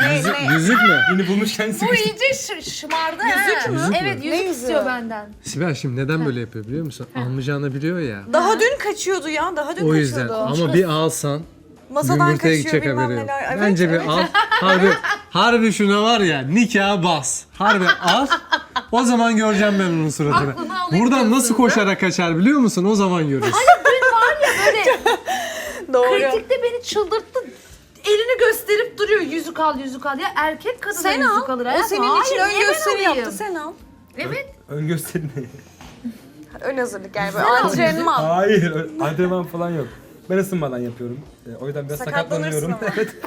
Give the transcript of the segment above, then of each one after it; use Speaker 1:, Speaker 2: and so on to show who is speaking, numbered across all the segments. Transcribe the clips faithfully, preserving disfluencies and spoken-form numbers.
Speaker 1: Yüzük,
Speaker 2: ne?
Speaker 1: yüzük mü?
Speaker 3: Yeni bulmuş kendisi.
Speaker 4: Bu iyice ş- şımardı ha.
Speaker 2: Yüzük mü?
Speaker 1: Yüzük mü?
Speaker 4: Evet yüzük
Speaker 2: Ne yüzüğü?
Speaker 4: istiyor benden.
Speaker 1: Sibel şimdi neden böyle yapıyor biliyor musun? Almayacağını biliyor ya.
Speaker 2: Daha dün kaçıyordu ya. Daha dün
Speaker 1: O yüzden
Speaker 2: kaçıyordu.
Speaker 1: ama bir alsan
Speaker 2: Masadan
Speaker 1: yumurtaya
Speaker 2: kaçıyor
Speaker 1: gidecek
Speaker 2: bilmem
Speaker 1: haberi yok.
Speaker 2: neler. Evet,
Speaker 1: Bence
Speaker 2: evet.
Speaker 1: bir al. Harbi, harbi şuna var ya nikah bas. Harbi al. O zaman göreceğim ben onun suratını.
Speaker 4: Aklını alayım
Speaker 1: Buradan
Speaker 4: diyorsun,
Speaker 1: nasıl
Speaker 4: değil mi?
Speaker 1: koşarak kaçar biliyor musun? O zaman görürüz.
Speaker 4: Böyle
Speaker 2: Doğru.
Speaker 4: kritikte beni çıldırttı. Elini gösterip duruyor yüzük al yüzük al. Ya erkek kadına
Speaker 2: Sen
Speaker 4: yüzük
Speaker 2: al.
Speaker 4: alır.
Speaker 2: O
Speaker 4: hayatım.
Speaker 2: senin
Speaker 4: Hayır,
Speaker 2: için ön
Speaker 4: niye ben
Speaker 2: gösteri
Speaker 4: alayım?
Speaker 2: yaptı. Sen al.
Speaker 4: Evet.
Speaker 3: Ön gösteri ne?
Speaker 2: Ön hazırlık yani böyle antrenman.
Speaker 3: Hayır, ö- antrenman falan yok. Ben ısınmadan yapıyorum. E, o yüzden biraz
Speaker 2: Sakatlanırsın
Speaker 3: sakatlanıyorum.
Speaker 2: ama.
Speaker 3: Evet.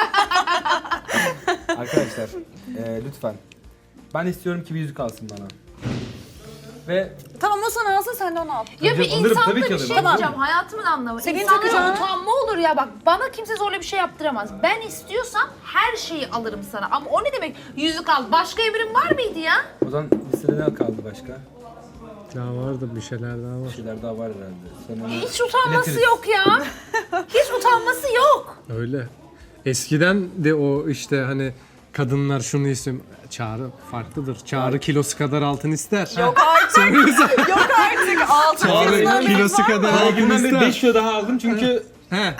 Speaker 3: Arkadaşlar, e, lütfen. Ben istiyorum ki bir yüzük alsın bana. Ve
Speaker 2: Tamam o sana alsın sen de onu al.
Speaker 4: Ya
Speaker 3: Tabii,
Speaker 4: bir
Speaker 3: alırım,
Speaker 4: insanda
Speaker 3: tabii ki
Speaker 4: bir
Speaker 3: alırım.
Speaker 4: şey
Speaker 3: Tamam.
Speaker 4: diyeceğim. Hayatımın anlamı.
Speaker 2: Senin
Speaker 4: İnsanlara
Speaker 2: takacağın-
Speaker 4: utanma olur ya bak. Bana kimse zorla bir şey yaptıramaz. Ben istiyorsam her şeyi alırım sana. Ama o ne demek? Yüzük al. Başka emrin var mıydı ya?
Speaker 3: o zaman listede ne kaldı başka?
Speaker 1: Daha vardı bir şeyler daha
Speaker 3: Bir
Speaker 1: var.
Speaker 3: şeyler daha var herhalde. Sen onu
Speaker 4: Hiç utanması
Speaker 3: iletiriz.
Speaker 4: yok ya. Hiç utanması yok.
Speaker 1: Öyle. Eskiden de o işte hani kadınlar şunu istiyor. Çağrı farklıdır. Çağrı kilosu kadar altın ister.
Speaker 2: Yok artık. Yok artık. Altın
Speaker 1: Çağrı
Speaker 2: kızlar
Speaker 1: kilosu
Speaker 2: var mı?
Speaker 1: kadar altın
Speaker 3: Bugünden beri
Speaker 1: ister.
Speaker 3: beş kilo daha aldım çünkü
Speaker 1: He.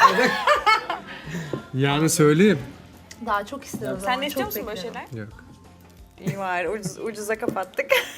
Speaker 1: Yani söyleyeyim.
Speaker 4: Daha çok isterim o zaman.
Speaker 2: Sen de istiyor
Speaker 4: çok
Speaker 2: musun böyle
Speaker 4: beklerim.
Speaker 2: şeyler?
Speaker 1: Yok.
Speaker 2: İyi var. Ucuz, ucuza kapattık.